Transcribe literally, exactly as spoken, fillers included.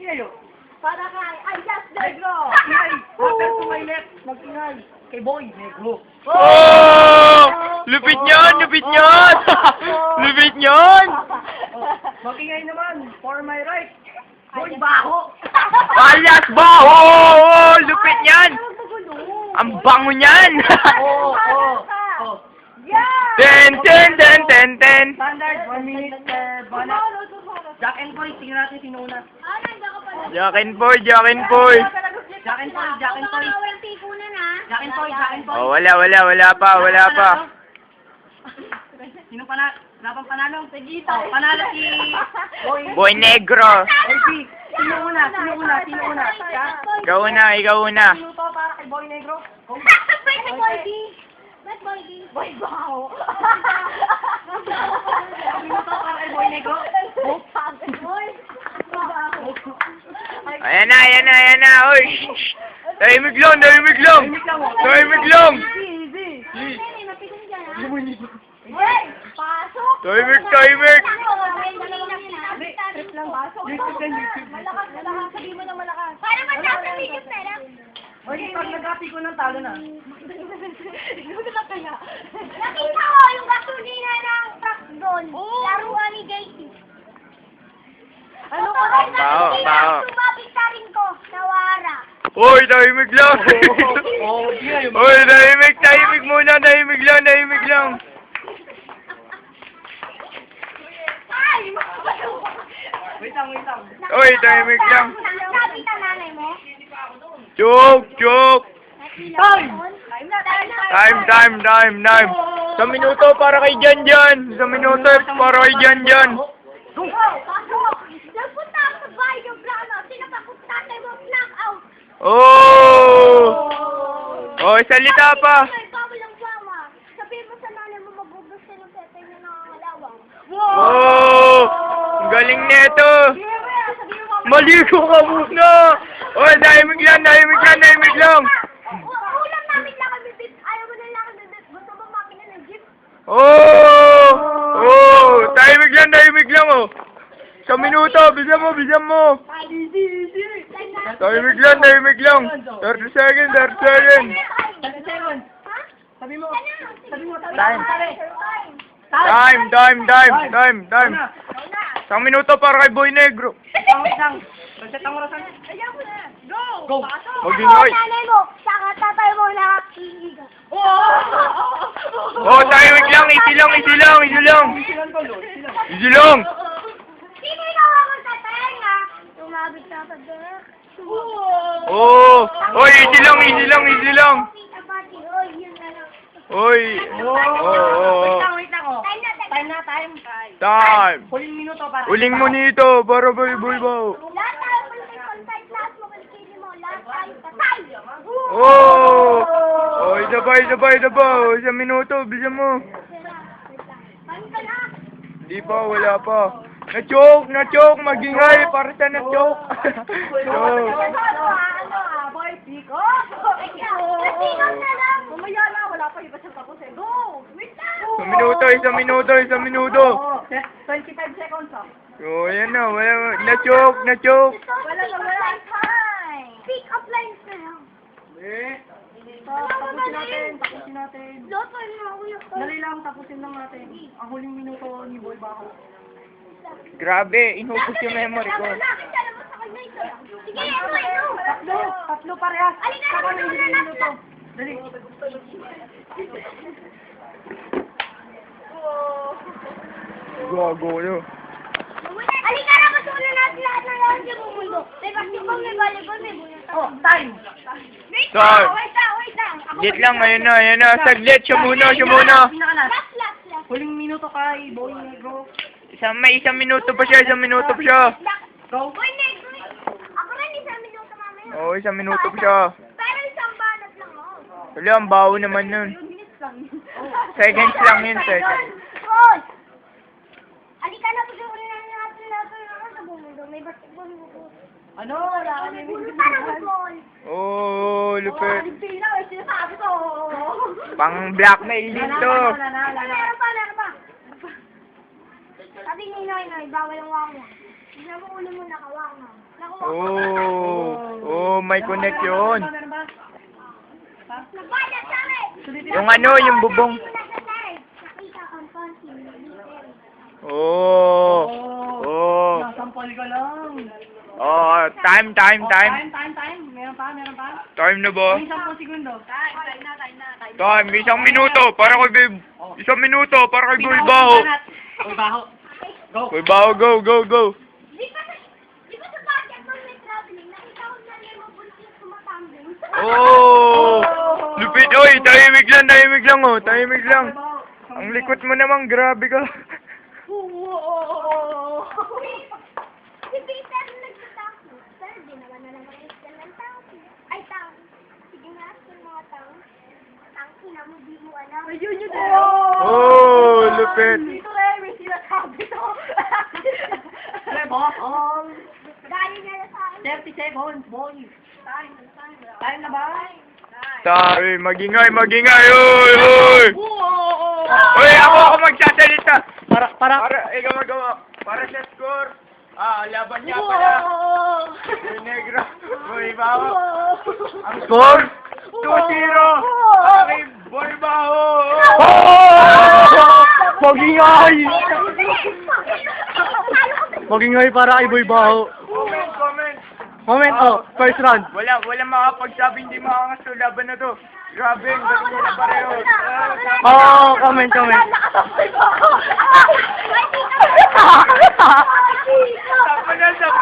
kayo. Para kay Ayas Negro. Ingay. After to my left. Mag-ingay. Kay Boy Negro. Oh! Lupit niyan! Lupit niyan! Lupit niyan! Mag-ingay naman. For my right. Boy Baho. Alias Baho! Oh, lupit niyan! Ang bango niyan! Oo, oo. Oo. Yeah! Ten, ten, ten, ten, ten. Standard, one minute per banat. Jack and Boy, tingnan natin sino una. Ah, nandiyan ka pala. Jack and Boy, Jack and Boy. Jack and Boy, Jack and Boy. Baka walang tikunan, ha? Jack and Boy, Jack and Boy. Oh, wala, wala, wala pa, wala pa. Sino panalo? Laban panalo? Sige, oh, panalo si Boy. Boy Negro. Boy B. Sino una? Sino una? Sino una? Jack? Ikaw una, ikaw una. Sino to para kay Boy Negro? Pwede Boy D. Ba't Boy D? Boy Bao. Sino to para kay Boy Negro? Boy. Ayan na, ayan na, ayan na. Oy, shh, shh. Tahimik lang, tahimik lang. Tahimik lang. Easy, easy. Boy, pasok. Tahimik, tahimik. Trip lang pasok. YouTube yan, YouTube. Malakas, malakas. Sabihin mo na malakas. Para matapos sa video na lang. Oy, pag nag-happy ko ng talo na. Nakita ko yung gasolina ng truck doon. Laruan ni J T. Ano ka? Bao, bao. Sumabit ka rin ko. Nawara. Oy, tahimik lang. Oh, di na yung... Oy, tahimik, tahimik muna, tahimik lang, tahimik lang. Ay! Wait lang, wait lang. Oy, tahimik lang. Sabi ka nanay mo? Joke, joke. Time! Time na, time na. Time, time, time, time. Sa minuto para kay Jan Jan. Sa minuto para kay Jan Jan. Go! Pasok! Nagpunta ako sa bahay yung plano. Sinapapunta tatay mo knockout. Oh! Oh, salita pa. Ay, bawal ang bawa. Sabihin mo sa nanay mo magbubus ka ng tetay na nangangalawang. Oh! Ang galing neto. Sabihin mo, Maligo ka muna. Oh, tahimik lang, tahimik lang, tahimik lang. ulam namin lang kami bit. Ayaw mo na lang kami bit. Gusto mo makina ng jeep? Oh! Oh! Tahimik lang, tahimik lang, oh. Sa minuto, bisan mo, bisan mo. Easy, easy. Tahimik lang, tahimik lang. thirty seconds, thirty seconds. thirty seconds. Ha? Sabi mo, sabi mo, sabi Time. mo, sabi. Time, time, time, time, time. Ano? Isang minuto para kay Boy Negro. Isang wait lang. Reset ang orasan. Ayaw mo na. Go! Go. Mag-ingay. Nanay mo, saka tatay mo nakakiliga. Oh, tahimik lang, easy lang, easy lang, easy lang. Silan ko, Lord. Silan. Easy lang. Sino ikaw ako tatay nga? Tumabit ka pa dek. Oh, oy, easy lang, easy lang, easy lang. Kita pati, oy, yun na lang. Oy. Oh, Oh, wait oh. lang, wait lang, oh. Time na, Time na, time. Time. Huling minuto para. Uling mo nito para Boy Boy Bao. Lahat tayo political side, lahat mo kilikili mo, lahat tayo patay. Oh. Oh, isa pa, isa pa, isa pa. Oh, isang minuto, bisan mo. Time ka na. Hindi pa, wala pa. Na-choke, na-choke, magingay para sa na-choke. Ano, Choke. ano, ano, ah, boy, pick up. Nasigaw na lang. Mamaya na, wala pa iba siyang tapos eh. Go! Wait lang. Isang minuto, isang minuto, isang minuto. Oh, twenty-five seconds, oh. Oh, yan na, wala, na-choke, na-choke. Wala na, wala time. Pick up lines na lang. Eh. Tapusin natin, tapusin natin. Loto na ako yung Dali lang, tapusin lang natin. Ang huling minuto ni Boy Baho. Grabe, inubos yung memory ko. Sige, ito, ito. Tatlo, tatlo parehas. Alin na, Saka ano may na, huling na, minuto. Dali. Gago yun. Alika na, masunan natin lahat ng lahat sa buong mundo. May basketball, may volleyball, may bunyan. Oh, time. Wait Time. lang, wait lang, wait lang. Ako Lit lang, ayun na, ayun na. Saglit, siya muna, siya muna. Pinakalas. Last, last, last. Huling minuto kay Boy Negro. Isang, may isang minuto pa siya, isang minuto pa siya. Go. Boy, next, wait. Ako rin, isang minuto mamaya. Oo, isang minuto pa siya. Pero isang banat lang, oh. Wala, ang baho naman nun. Minutes lang. Seconds lang yun, seconds. Hoy! Alika na, pag-uwi na natin natin sa buong mundo. May basketball mo po. Ano? Wala ka na yung Sana football. Oh, lupit. Aligpina, may sinasabi ko. Pang blackmail dito. Wala na, wala na. Meron pa, meron pa. Sabi ni Noy, Noy, bawal ang wang mo. Tignan mo ulo mo nakawang mo. Oh, oh, may connect yun. Meron ba? Ha? Nagbayad sa akin! Sulitin Yung ano, yung bubong. Nakita ang konti. Oh, oh, Nasampal ka lang. oh, time, time, Oh, time. time, time, time. Meron pa, meron pa. Time na ba? May sampung segundo. Time, time na, time na, time na. Time, isang minuto, para kay Babe. Isang minuto, para kay Boy Baho. Boy Baho. Go. Boy Baho, go, go, go. Di ba sa, di ba sa basketball may traveling, nakita ko na yung mabuntis tumatambling. Oh, lupit, oy, tahimik lang, tahimik lang, oh, tahimik lang. Ang likot mo naman, grabe ka. Si Peter nagtatako. Sir, di naman na naman isdan ng tao. Ay, tao. Sige nga, yung mga tao. Tangki na mo, di mo alam. Ayun yun Oh, lupit. Dito na, may sinasabi to. Reball. Gaya niya na sa akin. thirty seconds, boy. Time, time. Time na ba? Tayo, magingay, magingay, oy, oy. Oy, ako, ako magsasalita. Para, para. Para, ikaw magawa. Para sa score. Ah, laban niya pala. Boy Negro. Boy Baho. Ang score? two zero. Aking Boy Baho. Oh! Magingay! Magingay para kay Boy Baho. Comment, comment. Moment, oh, first round. Wala, wala makapagsabi hindi makakas sa laban na to. Grabe, ang galing nila pareho. Oh, comment, comment. Nakasabay mo ako. Ay, di ka. Tapa na, tapa.